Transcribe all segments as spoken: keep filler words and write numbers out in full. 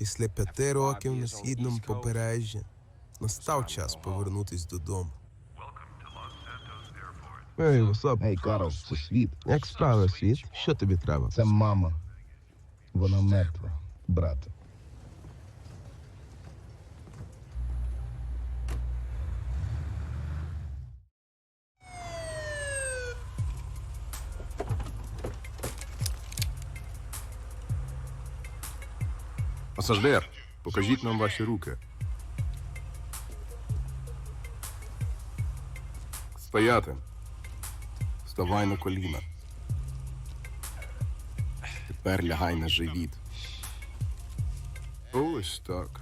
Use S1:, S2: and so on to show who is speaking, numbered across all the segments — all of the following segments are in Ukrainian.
S1: Після п'яти років на східному побережжі настав час повернутись додому. Ей, васап.
S2: Ей, Карл, це світ.
S1: Як справи, світ? Що тобі треба?
S2: Це мама. Вона мертва, брате.
S3: Пасажир, покажіть нам ваші руки. Стояти. Вставай на коліна. Тепер лягай на живіт. Ось так.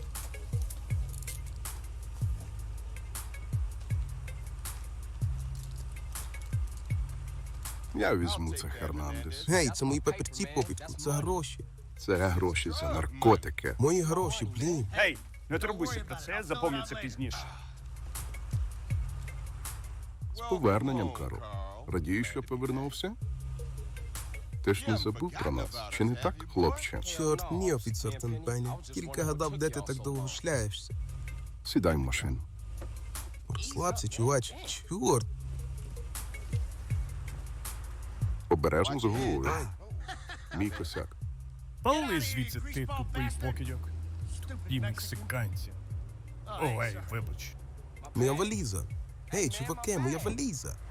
S3: Я візьму це, Хернандес.
S1: Гей, це мої папірці, попітку, це гроші.
S3: Це гроші за наркотики.
S1: Мої гроші, блін.
S4: Гей, не турбуйся про це, запомню це пізніше.
S3: З поверненням, Карл. Радію, що повернувся? Ти ж не забув про нас, чи не так, хлопче?
S1: Чорт, ні, офіцер Тенпені. Тільки гадав, де ти так довго шляєшся.
S3: Сідай в машину.
S1: Розслабся, чувач. Чорт.
S3: Обережно з головою. Мій косяк.
S4: Пали звідси, ти тупий покидьок. І мексиканці. Ой, вибач.
S1: Моя валіза. Гей, чуваки, моя валіза.